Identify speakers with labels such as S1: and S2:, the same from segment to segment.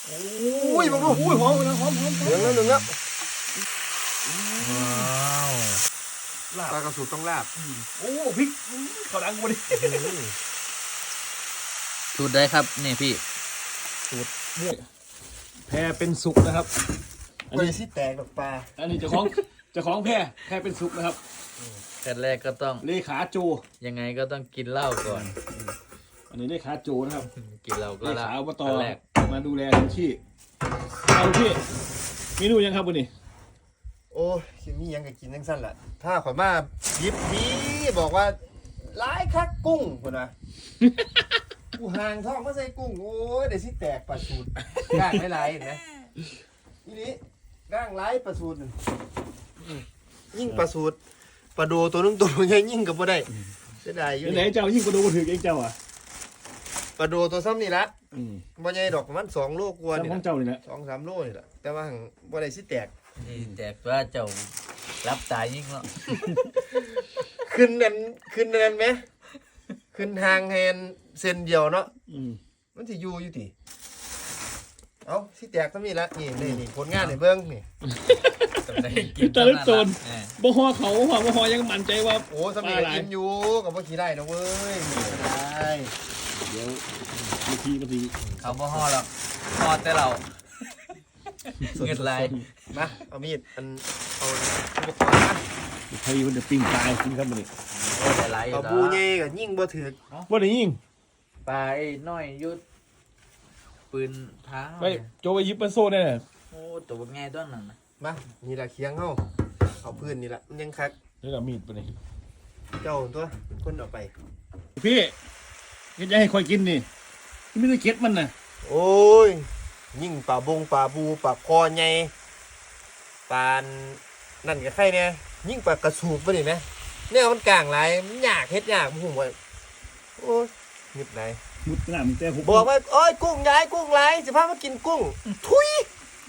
S1: โอ้ยมึงดูหอมนะหอม
S2: หนึ่งแล้ว
S1: ว้าวลาบ
S2: ปลากระสุนต้องลาบ
S1: โอ้พริกเขาดังกูดิ
S3: สูตรได้ครับนี่พี่
S1: สูตรเนี่ยแพรเป็นสุกนะครับ
S2: ไปสิแตกแบบปลา
S1: อันนี้เจ้าของแพรเป็นสุกนะครับ
S3: ขั้นแรกก็ต้อง
S1: เลขาโจ
S3: ยังไงก็ต้องกินเหล้าก่อน
S1: อันนี้เลขาโจนะครับ
S3: กินเหล้าก็
S1: เล
S3: ละ
S1: ขาอบต
S3: ขั้นแรก
S1: มาดูแลทันที่เอาพี่เมนูยังครับวันนี้
S2: โอ้ยคิมียังกับกินทั้งสั้นแหละถ้าข่อยมายิบดีบอกว่าร้ายคักกุ้งคนนะกูห่างท้องมาใส่กุ้งโอ้ยเดี๋ยวสิแตกปลาสูตรก้างหลายๆเห็นไหมทีนี้ก้างหลายปลาสูตรยิ่งปลาสูตรปลาโดตัวนึงตัวใหญ่ยิ่งกับบ่ได้เสียดายอยู่
S1: ไหน
S2: นี่
S1: เจ้ายิ่งกระดูกถือเองเจ้าอ่ะ
S2: ปลาโดตัวซ้ำนี่ละ
S1: อืม
S2: บ่ใหญ่ดอกประมัน2 โลกว่านี่
S1: ของ
S2: ล่ะ
S1: เจ้านี่แหละ
S2: 2-3 โลนี่แหละแต่ว่าหั่งบ่ได้สิแตก
S3: นี่แต่ว่าเจ้ารับตายยิ่งเนาะ
S2: ขึ้นนั่นไหมขึ้นทางแฮนเส้นเดียวเนาะ
S1: อืม
S2: มันสิอยู่ติเอาสิแตกซ้ำนี่ละนี่ผลงานให้เบิ่งนี่
S3: ต้องได้กิ
S1: คือตะลึกโจร
S3: เออ
S1: บ่ฮอเขาบ่ฮอยังมั่นใจว่า
S2: โอ้ซ้ำนี่ก็กินอยู่ก็บ่ขี้ได้นะเว้ยได้
S1: เดี๋ยวบางที
S3: เขาบ่ห่อหรอกห่อแต่เราเงินลาย
S2: มาเอามีดเอาอุปกรณ์มา
S1: ใครมันจะปิ้งปลากินครับมันนี่
S3: โอ้แต่หลายอยู่
S2: เอา
S3: ต่
S2: บูใหญ่ก็ยิงบ่ถึก
S1: ว่าได้ยิง
S3: ปลาไอ้น้อยยุดปืนเท้า
S1: ไปโจไปยิบเป็นโซ่ได้เลย
S3: โอ้ตัวง่ายต้นนั้นนะ
S2: มานี่ล่ะเคียงเฮาเอาพื้นนี่ล่ะมันยังคัก
S1: แล้วก็มีดไปนี่
S2: เจ้าตัวเป็นคนเอาไป
S1: พี่ก็จะให้คอยกินนี่ไม่ได้เก็ดมันนะ
S2: โอ้ยยิ่งปลาบงปลาบูปลาคอใหญ่ปลานั่นก็ใครเนี่ยยิ่งปลากระสูบไปนี่ไหมเนี่ยมันกลางหลายมันยากเฮ็ดยากผมว่าโอ้ยนิดไหน
S1: มุดหน้ามึงแต่ผม
S2: บอกว่าโอ้ยกุ้งหลายสิพามากินกุ้งทุย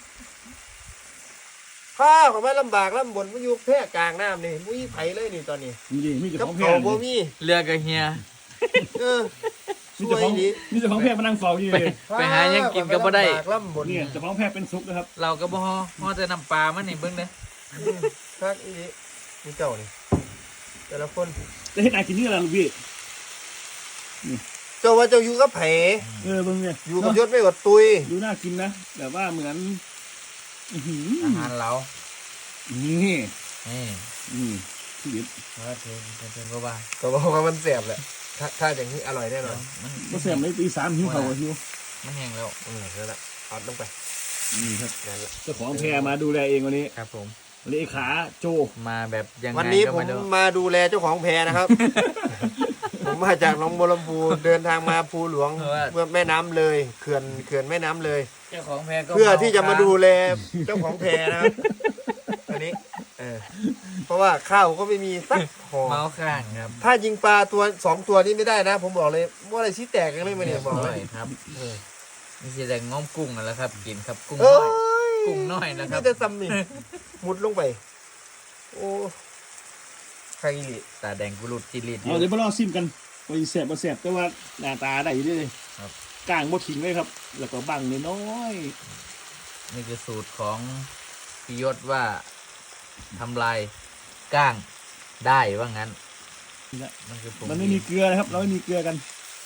S2: ข้าของมันลำบากลำบนมันอยู่แพร่กลางน้ำนี่มุ้ยไผเลยนี่ตอนนี้
S1: มีแต่
S2: กับ
S1: ของแพ
S2: เขา
S1: ง
S2: บ่มี
S3: เรือกับเฮีย
S2: เออ
S1: มีแต่ของ
S2: ดี
S1: มีแต่ของแพงมานั่งเฝ้าอยู่เลย
S3: ไปหายังกินก็บ่ได้
S2: ลำบากลำบน
S1: เนี่ยแต่ของแพงเป็นซุปนะครับ
S3: เราก็บ่ห่อแต่น้ำปลามันนี่เบิ่งเด้อ
S2: คักอีนี่นี่เจ้านี่แต่ละคน
S1: จะให้นายกินนี่อะไรลูกพี่
S2: เจ้าว่าเจ้าอยู่กับไผ
S1: เบิ่งเนี่ย
S2: อยู่กับยศไม่กดตุย
S1: ดูน่ากินนะแบบว่าเหมือนอื้อหือ
S3: อาหารเรา
S1: นี่
S3: นี่
S1: ที่เด็ด
S3: ว่าเป็นก็ว่า
S2: ก็บอกว่ามันแสบแหละถ้าอย่างนี้อร่อยแน่นอน
S3: มัน
S1: ก็แซ่บเลยตี3หิวเขาก็หิว
S3: มันแห้งแล้ว
S2: นั่นแหละเอาลงไป
S1: นี่ครับ
S2: นั่นแหละ
S1: เจ้าของแพรมาดูแลเองวันนี้
S3: ครับผม
S1: เลขาโจ
S3: มาแบบยังไง
S2: วันนี้
S3: ก็
S2: ผม
S3: ไม่รู้
S2: มาดูแลเจ้าของแพนะครับ ผมมาจากหนองบัวลำพูเดินทางมาภูหลวงเมื่อแม่น้ำเลยเขื่อนแม่น้ำเลย
S3: เจ้าของแพก็
S2: เพื่อที่จะมาดูแลเจ้าของแพนะครับอันนี้เพราะว่าข้าวก็ไม่มีสักห่อ
S3: เมาข้างครับ
S2: ถ้ายิงปลาตัว2 ตัวนี้ไม่ได้นะ ผมบอกเลยว่าอะไรชี้แตกกันเลยมาเนี่ยบอกเลย
S3: ครับ นี่สิแต่ง้อมกุ้งนั่นแหละครับ กินครับกุ้ง
S2: เอ้
S3: น้อย
S2: ย
S3: กุ้งน้อยนะครับ
S2: นี่จะซ้ำนี่มุดลงไป โอ้ใครอีหลี
S3: ตาแดงกุลุดจิริด
S1: เอาเดี๋ยวมาลองซิมกันว่าแซ่บบ่แซ่บแต่ว่าหน้าตาได้อยู่เด้เลย
S3: ครับ
S1: กลางบ่ทิ้งเลยครับ แล้วก็บังน้อย
S3: นี่คือสูตรของพิยศว่าทำลายก้างได้ว่างั้น
S1: ๆนี่แหละ
S3: มันคือผ
S1: มันไม่มีเกลือนะครับ เราไม่มีเกลือกัน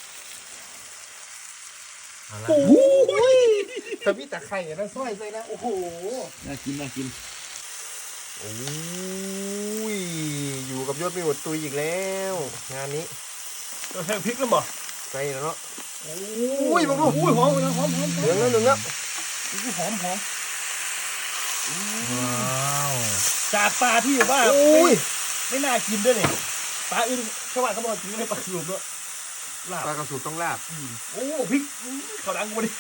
S3: เอาละ
S2: โอ้ยถ้าพี่ตะไคร่นะซอยใส่นะ โอ้โห
S1: น่ากินน่ากิน
S2: โอ้ย อยู่กับยศไม่หมดตุยอีกแล้ว งานนี้
S1: เราใส่พริกแล้วบ่
S2: ใส่แล้วเนาะ
S1: โอ้ยมึงดูหอมนะหอม
S2: เหลืองแล้วหนึ่งแล้ว
S1: หอม
S3: ว้าว
S1: จากปลาที่แบบว่า
S2: โอ้ย
S1: ไม่น่ากินด้วยเนี่ยปลาอื่นชาวบ้านเขาบอกกินไม่ได้ปลาหลุมด้วยลาบ
S2: ปลากระสุนต้องลาบ
S1: โอ้พริกเขาดังกูดิ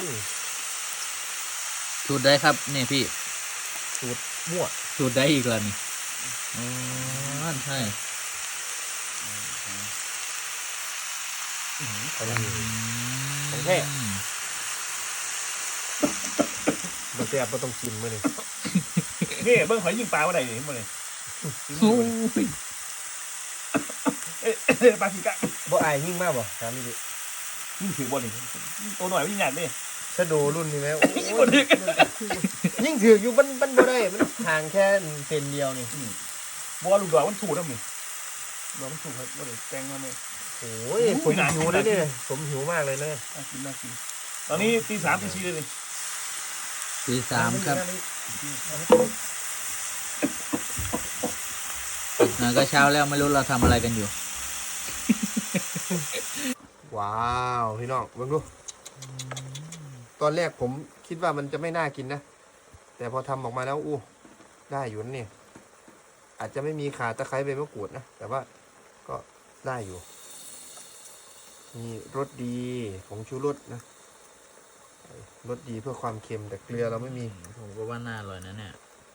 S3: สูตรได้ครับนี่พี่
S2: มั่ว
S3: สูตรได้อีกแล้วนี่อ๋อใช่
S2: ของแท้มาแซ่บมาต้องกินมาเนี่ย
S1: นี่เบิ้งหอยยิงปลาว่าไหนนี่มาเลย
S3: โอ้ย
S1: ปลาสีกะ
S2: บ่อายยิ่งมากบ่ถามนี่ดิ
S1: ยิงถือบอลนี่ตัวหน่อยยิงหยาดดิ
S2: สถ้าดูรุ่นนี้ไหมโอ้ยยิ่งถือกอยู่มันบ่ได้มันห่างแค่เซนเดียวนี่
S1: บัวลูกดอกมันถูกนะมึงดอกมันถูกครับว่าเดี๋ยวแกงมาเลย
S2: โอ้ยผมหิวเลยเนี่ยผมหิวมากเลยเนี่ย
S1: น่ากินน่ากินตอนนี้ตี 3 ตี 4เลย
S3: ตี 3ครับก็เช้าแล้วไม่รู้เราทำอะไรกันอยู่
S2: ว้าวพี่น้องเบิ่งดูตอนแรกผมคิดว่ามันจะไม่น่ากินนะแต่พอทำออกมาแล้วอู้ได้อยู่นะเนี่ยอาจจะไม่มีข่าตะไคร้ใบมะกรูดนะแต่ว่าก็ได้อยู่มีรสดีผงชูรสนะรสดีเพื่อความเค็มแต่เกลือเราไม่มี
S3: ผมก็ว่าน่าอร่อยนะเนี่ย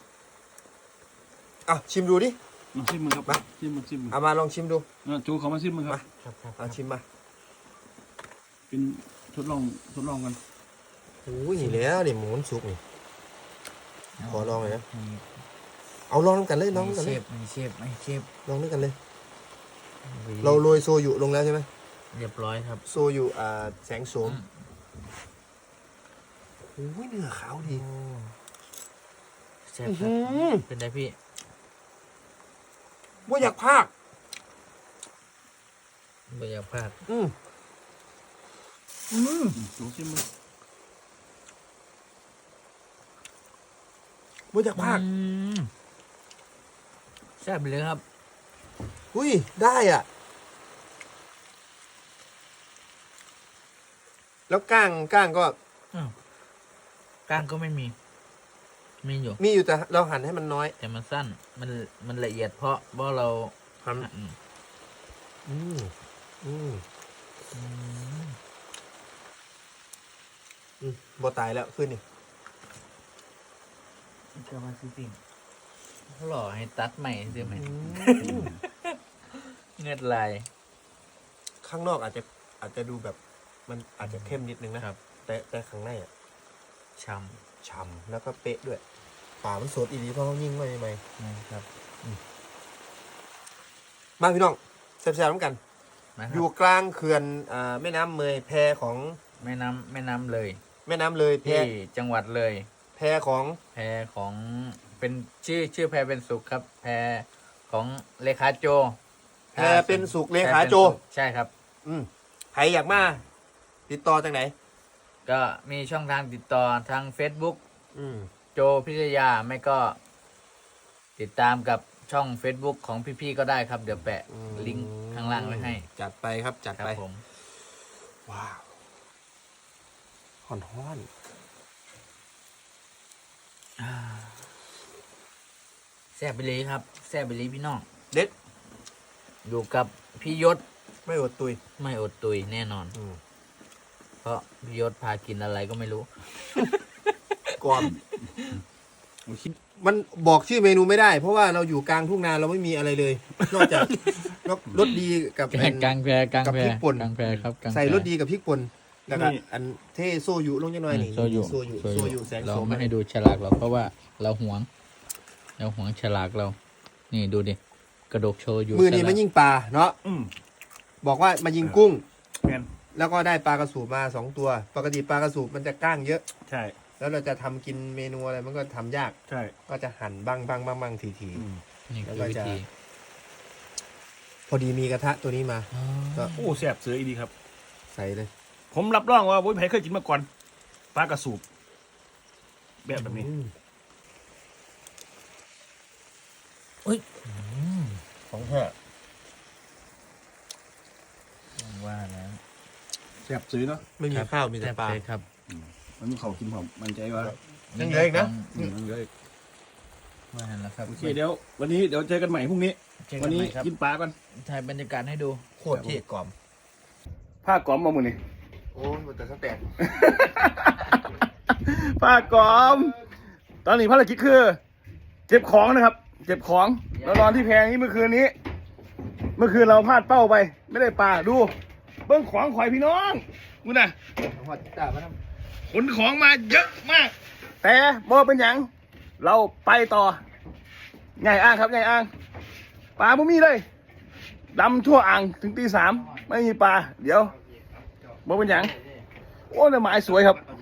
S2: อ่ะชิมดูดิ
S1: ลองชิมมึงครับชิมมึงชิมมึง
S2: เอามาลองชิมดู
S1: จูเขามาชิมมึงครับ
S2: เอาชิมมา
S1: เป็นทดลองกัน
S2: โอ้ยนี่แล้วนี่หมูมันสุกนี่ขอลองเลยนะเอาลองกันเลยลองกันเลย
S3: ไม่เชฟ
S2: ลองด้วยกันเลย เราโรยโซยุลงแล้วใช่ไหม
S3: เรียบร้อยครับ
S2: โซยุแสงโสมโอ้ยเนื้อขาวดี
S3: เชฟครับเป็นไงพี่
S2: ว่าอยากพาก
S3: ไม่อยากพลาด
S1: จูชิมมึง
S2: ว่าอยากพาก
S3: แซ่บเลยครับ
S2: อุ้ยได้อ่ะแล้วก้างก็
S3: ก้างก็ไม่มีอยู่
S2: มีอยู่แต่เราหั่นให้มันน้อย
S3: แต่มันสั้นมันละเอียดเพราะเรา
S2: หั่น บ่ตายแล้วขึ้นนี่
S3: ก็มาซื้อสิ่งหล่อให้ตัดใหม่ใช่ไหมเงือดลาย
S2: ข้างนอกอาจจะดูแบบมันอาจจะเข้มนิดนึงนะครับ แต่ข้างในอ่ะ
S3: ช้
S2: ฉ่ำแล้วก็เป๊ะด้วยป่ามันสดอีหลีเพราะเขายิ่งไว้ใหม่
S3: ำนะครับ
S2: มาพี่น้องแซ่บๆน้ำกัน
S3: นะค
S2: อ
S3: รับ
S2: ยู่กลางเขื่อนแม่น้ำเมยแพของ
S3: แม่น้ำเลย
S2: แม่น้ำเลยแพ
S3: ที่จังหวัดเลย
S2: แพของ
S3: แพรของเป็นชื่อแพรเป็นสุขครับ แพรของเลขาโจ
S2: แพเป็นสุขเลขาโจ
S3: ใช่ครับ
S2: ใครอยากมาติดต่อจากไหน
S3: ก็มีช่องทางติดต่อทาง Facebook โจพิทยาไม่ก็ ติดตามกับช่อง Facebook ของพี่ๆก็ได้ครับ เดี๋ยวแปะลิงก์ข้างล่างไว้ให้
S2: จัดไปครับจัด
S3: ครับ
S2: ไป
S3: ผม
S2: ว้าวฮ้อน
S3: แซ่บไปเลยครับแซ่บไปเลยพี่น้อง
S2: เด็ด
S3: อยู่กับพี่ยศ
S2: ไม่อดตุย
S3: ไม่อดตุยแน่นอน เพราะพี่ยศพากินอะไรก็ไม่รู้
S2: ก่อนมันบอกชื่อเมนูไม่ได้ เพราะว่าเราอยู่กลางทุ่งนาเราไม่มีอะไรเลย นอกจากรสดีกับ
S3: กลางแพร
S2: กับพริกป่น
S3: กลางแพรครับกลางแพ
S2: ใส่รสดีกับพริกป่นแล้วก็อันเทโซยุลงจังหน่อยนี่
S3: โซยุ
S2: โซยุแสง
S3: เรา
S2: โสม
S3: ไม่ให้ดูฉลากหรอกเพราะว่าเราหวงฉลากเรา นี่ดูดิกระดกโชว์อยู่
S2: มือนี้
S3: ฉลาก
S2: มันยิงปลาเนาะบอกว่ามายิงกุ้ง
S1: แมน
S2: แล้วก็ได้ปลากระสูบมา2 ตัว ปกติปลากระสูบมันจะก้างเยอะ
S1: ใช่
S2: แล้วเราจะทำกินเมนูอะไรมันก็ทำยาก
S1: ใช่
S2: ก็จะหั่นบ้างที
S3: นี่คือวิธี
S2: พอดีมีกระทะตัวนี้มา ก็
S1: โอ้แซ่บเสืออีดีครับ
S2: ใส่เลย
S1: ผมรับรองว่าโว้ยไผเคยกินมาก่อนปลากระสูบแบบนี้
S2: ของแท้
S3: ว่าแล้ว
S1: แซ่บซื้อเนาะ
S2: ไม่มีข้าวมีแต่ปลา
S3: ซ่บเลยครับ
S1: มันมีเขากินผมมันใจว่า
S2: ยังเหลืออีกนะ
S1: มันเลย
S3: ว่าแล้วครับ
S1: โอเคเดี๋ยววันนี้เดี๋ยวเจอกันใหม่พรุ่งนี้
S3: เจอกั
S1: วัน น
S3: ให
S1: นี้
S3: ม่ครับ
S1: กินปลาก่อน
S3: ถ่ายบรรยากาศให้ดู
S2: โคตรเท่กล่อม
S1: ผ้ากอมมามือนี่
S2: โอ้ยแต่ข้างแตก
S1: ผ้ากอม ตอนนี้ภารกิจคือเก็บของนะครับเก็บของแล้วนอนที่แพงนี้เมื่อคืนนี้ เมื่อคืนเราพลาดเป้าไป ไม่ได้ปลาดู เบิ้งของข่อยพี่น้องมึงน่ะ
S2: หัวจ่ามาท
S1: ขนของมาเยอะมาก แต่บ่เป็นหยังเราไปต่อใหญ่อ่างครับใหญ่อ่างปลาบ่มีเลยดำทั่วอ่างถึงตี 3ไม่มีปลาเดี๋ยวบ่เป็นหยังโอ้แต่หมายสวยครับ